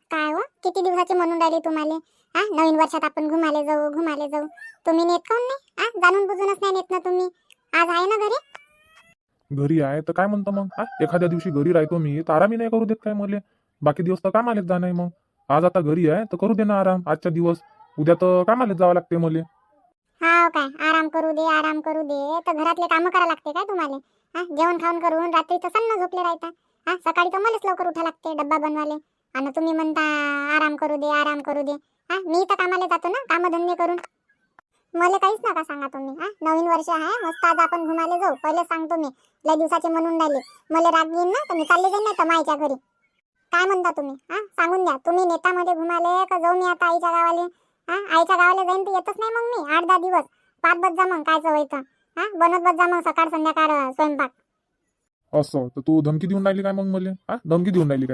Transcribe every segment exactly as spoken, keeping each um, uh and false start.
काय हो, किती दिवसाची म्हणून राहिली तुम्हाला? हा, नवीन वर्षात आपण घुमाले जाऊ घुमाले जाऊ. तुम्ही नेत काऊन नाही? हा, जाणून बुजूनच नाही नेत ना तुम्ही. आज आहे ना घरी? घरी आहे तर काय म्हणतो मग? हा, एखाद्या दिवशी घरी राहतो मी तर आरामही नाही करू देत काय मले? बाकी दिवस तर कामालेच जा नाही. मग आज आता घरी आहे तर करू दे ना आराम आजच्या दिवस. उद्या तर कामालेच जावं लागते मले. हा काय, आराम करू दे आराम करू दे तर घरातले कामं करा लागते काय तुम्हाला? हा, जेवण खाऊन करून रात्री तर सन्न झोपले राहता. हा, सकाळी तर मलाच लवकर उठा लागते डब्बा बनवाले. आणि तुम्ही म्हणता आराम करू दे आराम करू दे. हा, मी तर कामाला जातो ना, कामधंदे करून. मला काहीच नका सांगा तुम्ही. हा, नवीन वर्ष आहे, मस्त आज आपण घुमाले जाऊ. पहिले सांगतो मी, लय दिवसाचे म्हणून राहिले. मला राग येईन ना तर मी चालले जाईन नाही तर माईच्या घरी. काय म्हणता तुम्ही? हा, सांगून द्या. तुम्ही नेतामध्ये घुमाले का जाऊ मी आता आईच्या गावाले? हा, आईच्या गावाला जाईन तर येतच नाही मग मी आठ दहा दिवस. पाच बस जा मग, काय व्हायचं? हा, बनत बस जा मग सकाळ संध्याकाळ स्वयंपाक. असं तर तू धमकी देऊन राहिली काय मग मले? हा, धमकी देऊन राहिली काय?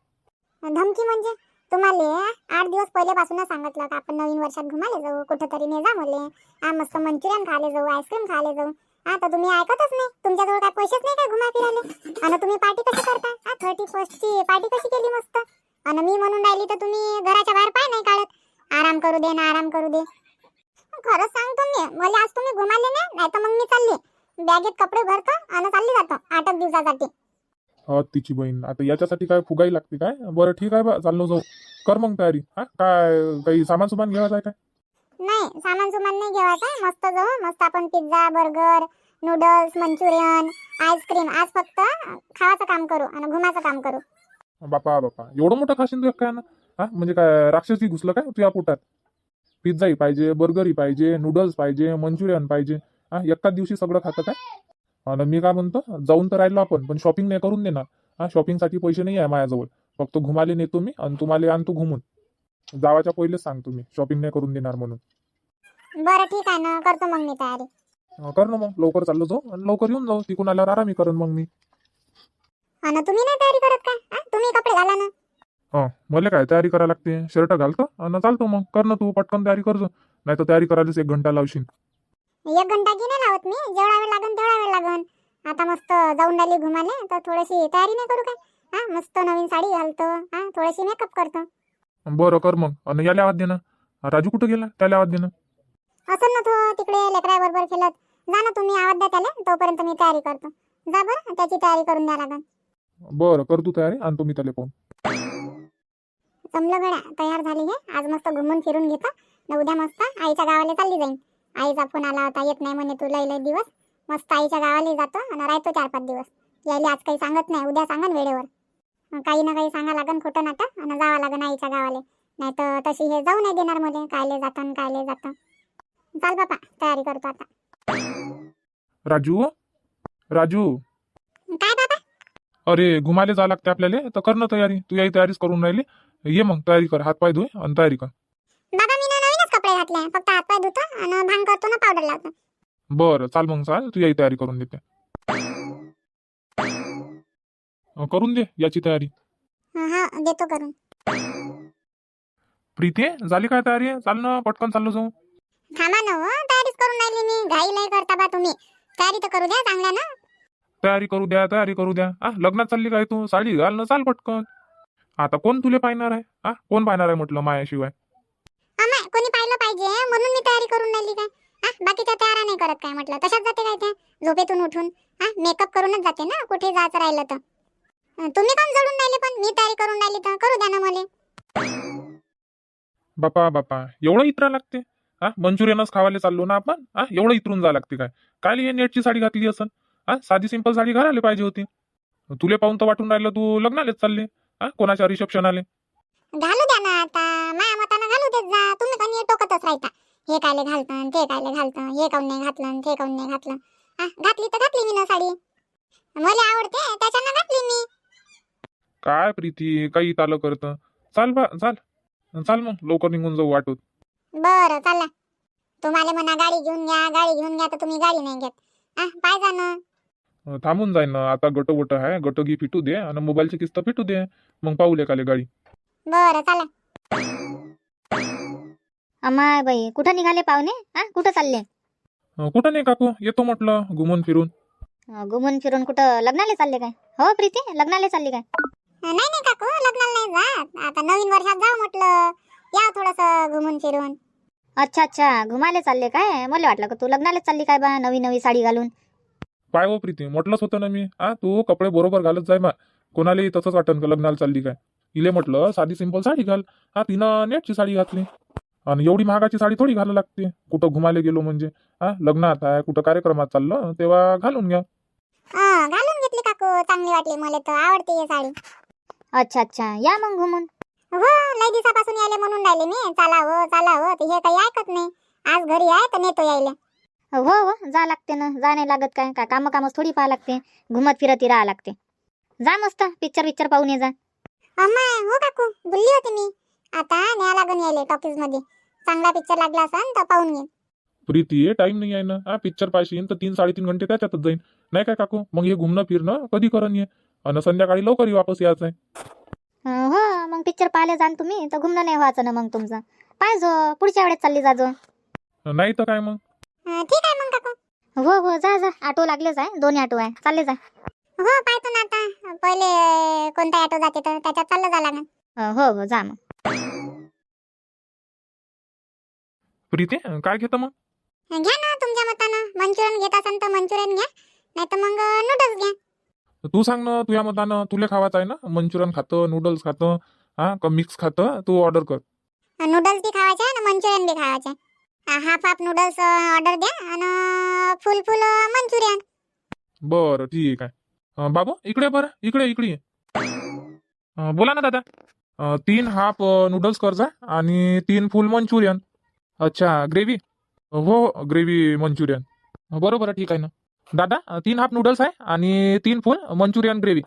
धमकी म्हणजे? तुम्हाला आठ दिवस पहिल्यापासूनच सांगितलं का आपण नवीन वर्षात घुमाले जाऊ, कुठेतरी ने जा मले. हा, मस्त मंचुरियन खाले जाऊ, आईस्क्रीम खाले जाऊ. हा, तर तुम्ही ऐकतच नाही. तुमच्याजवळ काय पैसेच नाही काय घुमा फिरायले? आणि तुम्ही पार्टी कशी करता? हा, थर्टी फर्स्टची पार्टी कशी केली मस्त? आणि मी म्हणून राहिली तर तुम्ही घराच्या बाहेर पाय नाही काढत. आराम करू दे ना आराम करू दे. खरंच सांगतो मी, मला आज तुम्ही घुमाले नाही, नाही तर मग मी चालली बॅगेत कपडे भरतो आणि चालली जातो आठ एक दिवसासाठी. हा, तिची बहीण आता याच्यासाठी काय फुगाई लागते काय? बरं ठीक आहे बा, चाललो जाऊ. कर मग तयारी. हा, काय काही सामान सुमान घ्यायचं आहे काय? नाही, सामान सुमान नाही घेवायचं. मस्त जाऊ, मस्त आपण pizza burger noodles Manchurian ice cream आज फक्त खावाचं काम करू आणि घुमाचं काम करू. बापा बापा, एवढं मोठं खाशीन तू काय ना? हा, म्हणजे काय राक्षसी घुसलं काय तुझ्या पोटात? पिझ्झाही पाहिजे, बर्गरही पाहिजे, नूडल्स पाहिजे, मंचुरियन पाहिजे. हा, एकाच दिवशी सगळं खातं काय? आणि मी काय म्हणतो, जाऊन तर राहिलो आपण पण शॉपिंग नाही करून देणार. हा, शॉपिंगसाठी पैसे नाही आहे माझ्याजवळ. फक्त घुमाले नेतो मी आणि तुम्हाला आणतो घुमून. जावाच्या पहिलेच सांगतो मी, शॉपिंग नाही करून देणार म्हणून. बरं ठीक आहे ना, करतो मग मी तयारी. अं, कर ना मग, लवकर चाललो जाऊ आणि लवकर येऊन जाऊ. तिकून आल्यावर आरामी करेन मग मी. आणि तुम्ही नाही तयारी करत काय? हा, तुम्ही कपडे घाला ना. हा, मला काय तयारी करायला लागते? शर्ट घालतो आणि चालतो मग. कर ना तू पटकन तयारी करजो, नाही तर तयारी करायलाच एक घंटा लावशील. एक घंटा की नाही लावत मी, जेवढा वेळ लागन तेवढा वेळ लागन. आता मस्त जाऊन राहिली घुमाले तर थोडीशी तयारी नाही करू काय? हा, मस्त नवीन साडी घालतो. हा, थोडीशी मेकअप करतो. बरं कर मग. आणि याला आवाज दे ना. राजू कुठं गेला? त्याला आवाज दे ना. असं ना तो तिकडे लेकराबरोबर खेळत. जा ना तुम्ही, आवाज द्या त्याला, तोपर्यंत मी तयारी करतो. जा बरं, त्याची तयारी करून द्या लागन. बरं कर तू तयारी आणि तुम्ही त्याला पाहून. जमलं गड्या, तयार झाली हे. आज मस्त घुमून फिरून घेतो न उद्या मस्त आईच्या गावाला चालली जाईन. आईचा फोन आला होता, येत नाही म्हणे तू लय लय दिवस. मस्त आईच्या गावाला जातो आणि राहतो चार पाच दिवस. यायला आज काही सांगत नाही, उद्या सांगन वेळेवर. काही ना काही सांगा लागन खोटं नाटक आणि जावं लागन आईच्या गावाला. नाही तर तशी हे जाऊ नाही देणार मध्ये, कायले जातं कायले जातं. चाल बापा, तयारी करतो आता. राजू, राजू, काय बाबा? अरे घुमाले जा लागते आपल्याला, तर कर ना तयारी. तू याही तयारीच करून राहिली. ये मग तयारी कर, हातपाय धुय आणि तयारी कर. बाबा मी ना नवीनच कपडे घातले, फक्त हातपाय धुतो आणि भांग करतो ना पावडर लावतो. बरं चाल मग, चाल तू याही तयारी करून देते. अं, करून दे याची तयारी. हा हा, देतो करून. प्रीती झाली काय तयारी? चाल ना पटकन चाललो जाऊ. थांबा ना हो, तयारीच करून राहिली मी. घाई लय करता बा तुम्ही. तयारी तर करू द्या चांगल्या ना. तयारी करू द्या, तयारी करू द्या. आ, लग्नात चालली काय तू? साडी घाल ना, चाल पटकन. आता कोण तुले पाहणार आहे? आ, कोण पाहणार आहे म्हटलं मायाशिवाय? अमाय, कोणी पाहिलं पाहिजे म्हणून मी तयारी करून राहिली काय? हा, बाकीच्या तयारा नाही करत काय म्हटलं? तशाच जाते काय त्या झोपेतून उठून? हा, मेकअप करूनच जाते ना कुठे जायचं राहिलं तर. अं, तुम्ही काम जोडून राहिले, पण मी तयारी करून राहिली तर करू द्या ना मला. बापा बापा, एवढं इतरा लागते? हा, मंचुरियनच खावायला चाललो ना आपण. हा, एवढं इतरून जा लागते काय? काय हे नेटची साडी घातली असन? हा, साधी सिंपल साडी घालायला पाहिजे होती. तुले पाहून तर वाटून राहिलं तू लग्नालेच चालले. हा, कोणाच्या रिसेप्शन आले. घालू द्या ना आता, माया मतानं घालू देत जा. तुम्ही कोणी टोकतच राहता, हे कायले घालतं ते कायले घालतं, हे काऊन नाही घातलं ते काऊन नाही घातलं. हा, घातली तर घातली मी ना साडी, मला आवडते त्याच्यानं घातली मी. काय प्रीती काही तालं करतं? चाल बा चाल. चाल मग लवकर निघून जाऊ वाटूत. बरं चला. तुम्हाला म्हणा गाडी घेऊन घ्या, गाडी घेऊन घ्या, तर तुम्ही गाडी नाही घेत. हा, पाय जा ना. अं, थांबून जाईन ना आता. गट वट आहे, गट घी फिटू दे आणि मोबाईलची किस्त फिटू दे, मग पाहू लेकाले गाडी. बरं चला. अमाय बाई, कुठं निघाले पाहुणे? हा, कुठं चालले? अं, कुठं नाही काकू, येतो म्हटलं घुमून फिरून. अं, घुमून फिरून कुठं लग्नाला चालले काय? हो प्रीती, लग्नाला चालली काय? नाही नाही काकू, लग्नाला नाही जात. आता नवीन वर्षात जाऊ म्हटलं, या थोडस घुमून फिरून. अच्छा अच्छा, घुमाले चालले काय? मला वाटलं का तू लग्नाला चालली काय बा, नवी नवी साडी घालून. पाय हो प्रीती, म्हटलंच होतं ना मी, हा तू कपडे बरोबर घालत जाय मा. कोणालाही तसंच वाटन का लग्नाला चालली काय. इले म्हटलं साधी सिंपल साडी घाल. हा तिनं नेटची साडी घातली. आणि एवढी महागाची साडी थोडी घालायला लागते कुठं घुमायला गेलो म्हणजे. हा लग्नात आहे कुठं कार्यक्रमात चाललं तेव्हा घालून घ्या. हा घालून घेतली काकू, चांगली वाटली मला तर, आवडते ही साडी. अच्छा अच्छा, या मग घुमून. हो लय दिवसापासून यायले म्हणून राहिले मी, चला हो चला हो, तर हे काही ऐकत नाही. आज घरी आहे तर नेतो यायले. हो हो, जा लागते ना, जा नाही लागत काय काय, काम कामच थोडी पाहा लागते, घुमत फिरत राहा लागते. जा मस्त पिक्चर पिक्चर पाहून ये जा. अम्माय हो काकू, बोलली होती मी आता न्या लागून यायले टॉकीज मध्ये. चांगला पिक्चर लागला असन तर पाहून घे. प्रीती टाइम नाही आहे ना. हा पिक्चर पाहिजे तर तीन साडेतीन घंटे त्याच्यातच जाईन नाही काय काकू. मग हे घुमणं फिरणं कधी करण ये. आणि संध्याकाळी लवकर वापस यायचं आहे. अं, हो मग पिक्चर पाहायला जाण तुम्ही तर घुमणं नाही व्हायचं ना मग तुमचं. पाहिजो पुढच्या वेळेस चालली जाजो. नाही तर काय मग. अं, ठीक आहे मग काकू. हो हो, जा जा, ऑटो लागलेच आहे, दोन्ही ऑटो आहे, चालले जा. हो पाहतो ना आता, पहिले अं, कोणता ऑटो जाते तर त्याच्यात चाललं जा लागेल. अं, हो हो, जा मग. प्रीती काय घेतं मग. घ्या ना तुमच्या मतानं, मंचुरियन घेत असाल तर मंचुरियन घ्या, नाही तर मग नूडल्स घ्या. तू सांग ना तुझ्या मतानं, तुला खावाचं आहे ना. मंचुरियन खातं नूडल्स खातं हा का मिक्स खातं, तू ऑर्डर कर. नूडल्स बी खावायचे आणि मंचुरियन बी खावायचे. हाफ हाफ नूडल्स ऑर्डर द्या आणि फुल फुल मंचुरियन. बरं ठीक आहे. अं, बाबू इकडे बरं, इकडे इकडे ये. अं, बोला ना दादा. अं, तीन हाफ नूडल्स कर जा आणि तीन फुल मंचुरियन. अच्छा ग्रेव्ही. हो ग्रेव्ही मंचुरियन. बरोबर ठीक आहे ना दादा. अं, तीन हाफ नूडल्स आहे आणि तीन फुल मंचुरियन ग्रेव्ही.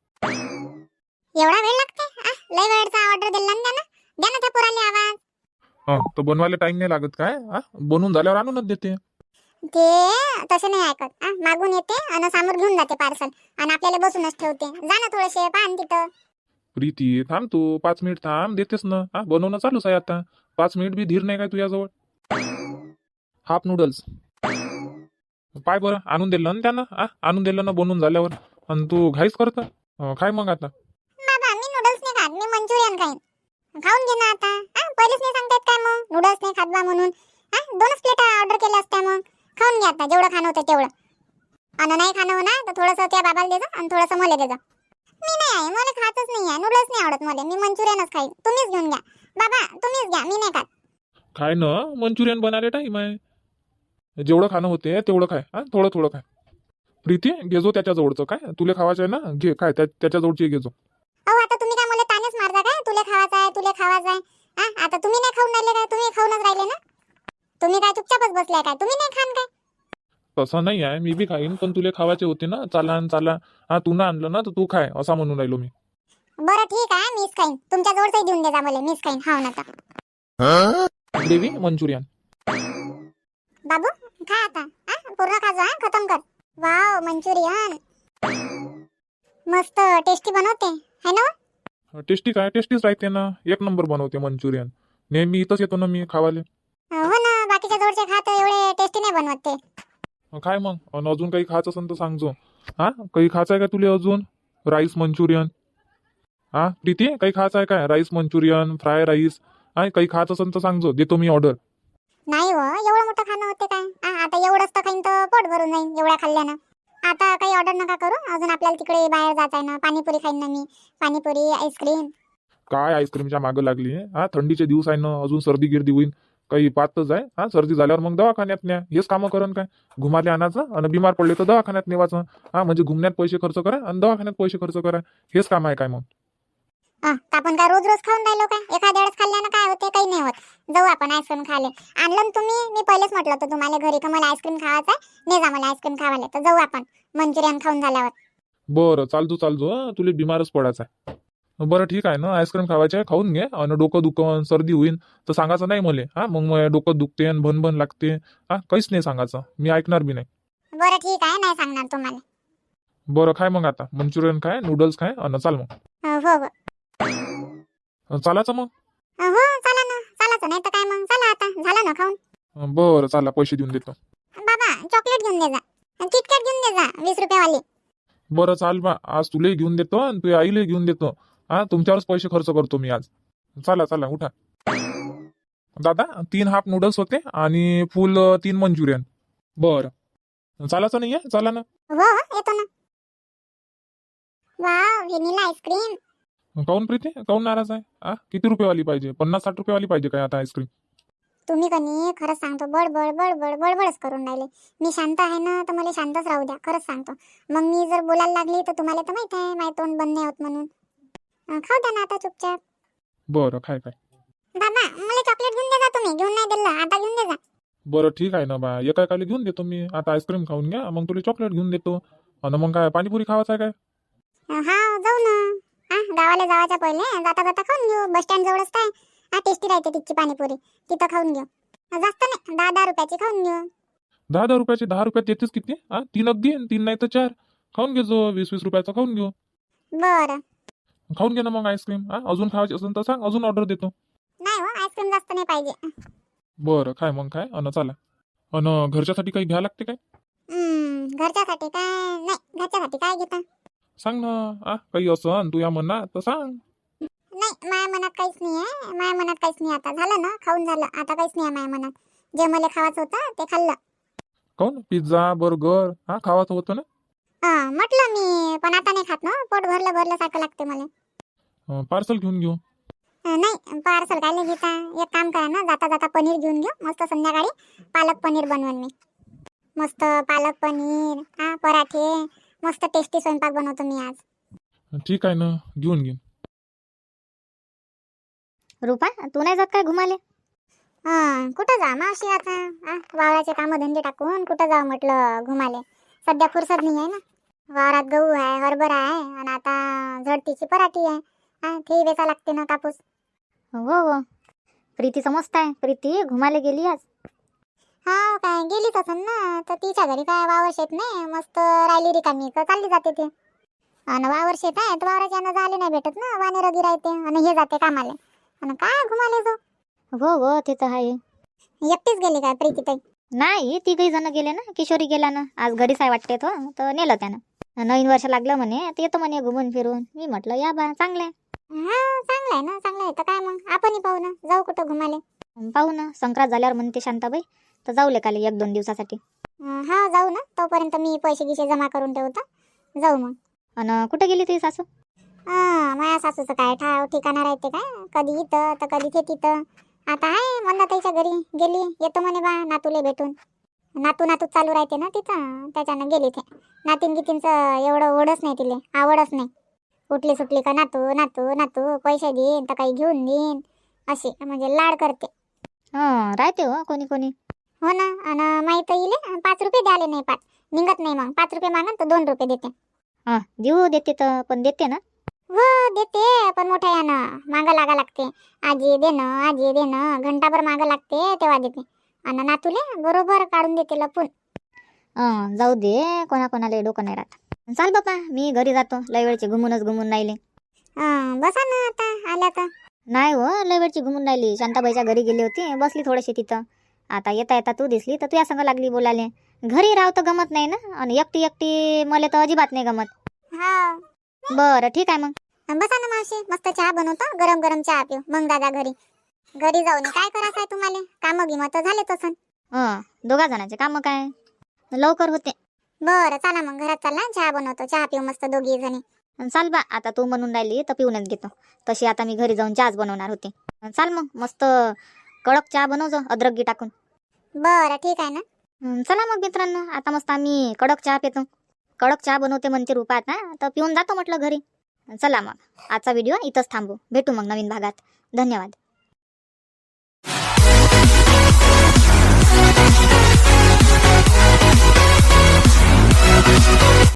एवढा वेळ लागते? आ, लय वेळचा ऑर्डर दिला ना त्यानं. द्या ना त्या पोराला आवाज. हा तर बनवायला टाइम नाही लागत काय. हा बनवून झाल्यावर आणूनच देते. ते तसे नाही ऐकत. आ, मागून येते आणि समोर घेऊन जाते पार्सल आणि आपल्याला बसूनच ठेवते. जा ना थोडेसे पाहन तिथं. प्रीती थांब तू पाच मिनिट थांब, देतेस ना. हा बनवणं चालूच आहे आता. पाच मिनिट बी धीर नाही काय तुझ्याजवळ. हाफ नूडल्स पाय बरं आणून दिलं ना त्यानं. हा आणून दिलं ना बनवून झाल्यावर. आणि तू घाईच करत. काय मग आता. बाबा मी नूडल्स नाही खात, मी मंचुरियन खाईन. खाऊन घे ना आता. आ, पहिलेच नाही सांगतायत काय मग नूडल्स नाही खात बा म्हणून. हा दोनच प्लेट ऑर्डर केल्या असत्या मग. खाऊन घे आता जेवढं खाणं होतं तेवढं. आणि नाही खाणं होणार तर थोडंसं त्या बाबाला दे जा आणि थोडंसं मला दे जा. मी नाही आहे, मला खातच नाही आहे नूडल्स, नाही आवडत मला. मी मंचुरियनच खाईन. तुम्हीच घेऊन घ्या बाबा, तुम्हीच घ्या, मी नाही खात. काय ना मंचुरियन बनायला टाईम आहे. जेवढं खाणं होते तेवढं खाय. हा थोडं थोडं खाय. प्रीती घेजो त्याच्या जवळचं काय. तुला खावायचं आहे ना घे काय, त्याच्या जवळची घेजो. अहो आता तुम्ही काय मला तानेच मारता काय. तुले खावायचं आहे तुले खावायचं आहे. हा आता तुम्ही नाही खाऊन राहिले काय, तुम्ही खाऊनच राहिले ना. तुम्ही काय चुपचापच बसलाय काय, तुम्ही नाही खान काय. तसं नाही आहे, मी बी खाईन पण तुला खावायचे होते ना. चाला न चाला. हा तू ना आणलं ना तर तू खाय असा म्हणून राहिलो मी. बरं ठीक आहे, मीच खाईन. तुमच्या जवळच देऊन दे जा मला, मीच खाईन. हाव ना तर. Gravy Manchurian. बाबू खा आता. हा पूर्ण खा जा, हा खतम कर. वाव मंचुरियन मस्त टेस्टी बनवते है ना. टेस्टी काय टेस्टीच राहते ना. एक नंबर बनवते मंचुरियन. नेहमी इथंच येतो ना मी खावाले. हो ना, बाकीच्या जवळचे खात एवढे टेस्टी नाही बनवत ते. काय मग अन अजून काही खायचं असेल तर सांगजो. हा काही खायचं आहे का तुला अजून. Rice Manchurian. हा प्रीती काही खायचं आहे काय. Rice Manchurian fry rice. हा काही खायचं असेल तर सांगजो, देतो मी ऑर्डर. नाही हो एवढं मोठं खाणं होते काय. आ, आता एवढंच तर खाईन तर पोट भरून जाईन एवढ्या खाल्ल्यानं. आता काही ऑर्डर नका करू. अजून आपल्याला तिकडे बाहेर जात आहे ना. पाणीपुरी खाईन ना मी. पाणीपुरी आईस्क्रीम. काय आईस्क्रीमच्या मागं लागली. हा थंडीचे दिवस आहे ना, अजून सर्दी गिर्दी होईल. काही पातच आहे. हा सर्दी झाल्यावर मग दवाखान्यात न्या. हेच कामं करण काय. घुमाले आणायचं आणि बिमार पडले तर दवाखान्यात नेवायचं. हा म्हणजे घुमण्यात पैसे खर्च करा आणि दवाखान्यात पैसे खर्च करा. हेच काम आहे काय मग. हा आपण काय रोज रोज खाऊन राहिलो काय. एखाद्या वेळेस खाल्ल्यानं काय होते, काही नाही होत. जाऊ आपण आईस्क्रीम खायला. आणलं ना तुम्ही, मी पहिलेच म्हटलं होतं तुम्हाला घरी का मला आईस्क्रीम खावायचं आहे, ने जा मला आईस्क्रीम खावायला. तर जाऊ आपण मंचुरियन खाऊन झाल्यावर. बरं चालतो चालतो. हं, तुला बिमारच पडायचं आहे. बरं ठीक आहे ना. आईस्क्रीम खावायचे आहे, खाऊन घे. आणि डोकं दुखन सर्दी होईन तर सांगायचं नाही मला. हा मग मग डोकं दुखते आणि भन लागते. हा काहीच नाही सांगायचं, मी ऐकणार बी नाही. बरं ठीक आहे, नाही सांगणार तुम्हाला. बरं खाय मग आता मंचुरियन खाय नूडल्स खाय आणि चाल मग. हो हो हो. चालायचं मग. हो चला ना, चालायचं नाही तर काय मग. चला आता झालं ना खाऊन. बरं चला पैसे देऊन देतो. बाबा चॉकलेट घेऊन दे जा, किटकॅट घेऊन दे जा वीस रुपयावाली. बरं चाल बा, आज तुलाही घेऊन देतो आणि तुझ्या आईलाही घेऊन देतो. हा तुमच्यावरच पैसे खर्च करतो मी आज. चला चला उठा. दादा तीन हाफ नूडल्स होते आणि फुल अं, तीन मंचुरियन. बरं चालायचं नाही आहे, चला ना. हो हो येतो ना. Wow vanilla ice cream. काऊन प्रीती, काऊन नाराज आहे? आ किती रुपयेवाली पाहिजे? पन्नास साठ रुपयेवाली पाहिजे काय आता आईस्क्रीम? तुम्ही कनी खरंच सांगतो बडबड बडबड बडबडच करून राहिले. मी शांत आहे ना, तर मला शांतच राहू द्या. खरंच सांगतो. मग मी जर बोलायला लागली तर तुम्हाला तर माहित आहे माझं तोंड बंद नाही होत म्हणून. अं, खाऊ द्या ना आता चुपचाप. बरं काय काय. दादा मला चॉकलेट घेऊन दे जा. तुम्ही घेऊन नाही दिलं आता घेऊन दे जा. बरं ठीक आहे ना बा, एका एकाला घेऊन देतो मी. आता आईस्क्रीम खाऊन घ्या, मग तुला चॉकलेट घेऊन देतो. आणि मग काय पाणीपुरी खावायचं आहे काय? अं, हा जाऊ ना. हा गावाला जावाच्या पहिले जाता जाता खाऊन घेऊ. बस स्टँड जवळच काय हा टेस्टी राहते तिथची पाणीपुरी. तिथं खाऊन घेऊ. जास्त नाही दहा दहा रुपयाची खाऊन घेऊ. दहा दहा रुपयाचे दहा रुपयात देतेस किती? हा तीन अगदी तीन नाही तर चार खाऊन घेजो. वीस वीस रुपयाचं खाऊन घेऊ. बरं खाऊन घे ना मग आईस्क्रीम. हा अजून खावायची असेल तर सांग, अजून ऑर्डर देतो. नाही हो आईस्क्रीम जास्त नाही पाहिजे. बरं काय मग काय. अन चला. अन घरच्यासाठी काही घ्या लागते काय? हम्म, घरच्यासाठी काय नाही. घरच्यासाठी काय घेता? सांग ना. आ काही असं तू या म्हणा तर सांग. नाही माझ्या मनात काहीच नाही आहे. माझ्या मनात काहीच नाही. आता झालं ना खाऊन झालं. आता काहीच नाही आहे माझ्या मनात. जे मला खावायचं होतं ते खाल्लं. काऊन पिझ्झा बर्गर हा खावाचं होतं ना? हा म्हटलं मी पण आता नाही खात ना. पोट भरलं भरलं सारखं लागते मला. पार्सल घेऊन घेऊ. अं, नाही पार्सल काय नाही घेता. एक काम करा ना, जाता जाता पनीर घेऊन घेऊ. मस्त संध्याकाळी पालक पनीर बनवून मी. मस्त पालक पनीर हा पराठे मस्त टेस्टी स्वयंपाक बनवतो मी आज. ठीक आहे ना, घेऊन घे. रुपा तू नाही जात काय घुमाले? हा कुठं जा मावशी आता. हा वावराचे कामं धंदे टाकून कुठं जाऊ म्हटलं घुमाले. सध्या फुरसत नाही आहे ना. वावरात गहू आहे, हरभरा आहे आणि आता झडतीची पराठी आहे. हा ते वेचा लागते ना कापूस. हो हो प्रीतीचं मस्त आहे. प्रीती घुमाले गेली आज. हा काय गेलीच असन ना, तर तिच्या घरी काय वावर शेत नाही. मस्त राहिली रिकामी तर चालली जाते ते. आणि वावर शेत आहे तर वावराच्या यानं जायला नाही भेटत ना. वाने रगी राहते आणि हे जाते कामाले. आणि काय घुमाले जो. हो हो ते तर आहे. एकटीच गेली काय प्रीती ताई? नाही तिघही जण गेले ना. किशोरी गेला ना आज. घरीच आहे वाटते तो, तर नेलं त्यानं. नवीन वर्ष लागलं म्हणे तर येतो म्हणे घुमून फिरून. मी म्हटलं या बा चांगलं आहे. हा चांगलं आहे ना. चांगलं आहे तर काय मग आपणही पाहू ना. जाऊ कुठं घुमाले. पाहू ना संक्रांत झाल्यावर म्हणते शांताबाई, तर जाऊ लेकाले एक दोन दिवसासाठी. अं, हा जाऊ ना. तोपर्यंत मी पैसे गिसे जमा करून ठेवतो. जाऊ मग. आणि कुठे गेली तुझी सासू? हा माझ्या सासूचं काय ठाव ठिकाणा राहते काय. कधी इथं तर कधी ते तिथं. आता आहे मंदाताईच्या घरी गेली. येतो म्हणे बा नातूले भेटून. नातू नातू चालू राहते ना तिथं, त्याच्यानं गेली ते. नातीन गितींचं एवढं ओढच नाही तिले, आवडच नाही. उठली सुटली का नातू नातू नातू पैसे देईन तर काही घेऊन देईन अशी म्हणजे लाड करते. हां राहते हो कोणी कोणी. हो ना. आणि माहीत येईल पाच रुपये द्याले नाही. पाच निघत नाही. मग पाच रुपये मागन तर दोन रुपये देते. हां देऊ देते तर पण देते ना. हो देते पण मोठ्या यानं मागं लागा लागते. आजी देणं आजी देणं घंटाभर मागं लागते तेव्हा देते. आणि नातूले बरोबर काढून देते लपून. हां जाऊ दे, कोणा कोणाला डोकं नाही राहत. चाल बापा मी घरी जातो. लय वेळची घुमूनच घुमून राहिले. अं, बसा ना आता आल्या तर. नाही हो लय वेळची घुमून राहिली. शांताबाईच्या घरी गेली होती, बसली थोडीशी तिथं. आता येता येता तू दिसली तर तुझ्या संग लागली बोलाले. घरी राव तर गमत नाही ना, आणि एकटी एकटी मला तर अजिबात नाही गमत. हा बरं ठीक आहे मग. बसा ना मावशी. मस्त चहा बनवतो. गरम गरम चहा पिऊ मग दादा घरी. घरी जाऊन काय करायचं आहे तुम्हाला? कामं गिमं तर झालेच असन. हं दोघा जणांचे कामं काय लवकर होते. बरं चला मग घरात चला. चहा बनवतो. चहा पिऊ मस्त दोघी जणी. चाल बा आता तू म्हणून राहिली तर पिऊनच घेतो. तशी आता मी घरी जाऊन चहाच बनवणार होते. चाल मग मस्त कडक चहा बनवजो अद्रक टाकून. बरं ठीक आहे ना. हं, चला मग मित्रांनो आता मस्त आम्ही कडक चहा पितो. कडक चहा बनवते म्हणते रूपा आता, तर पिऊन जातो म्हटलं घरी. चला मग आजचा व्हिडिओ इथंच थांबू. भेटू मग नवीन भागात. धन्यवाद.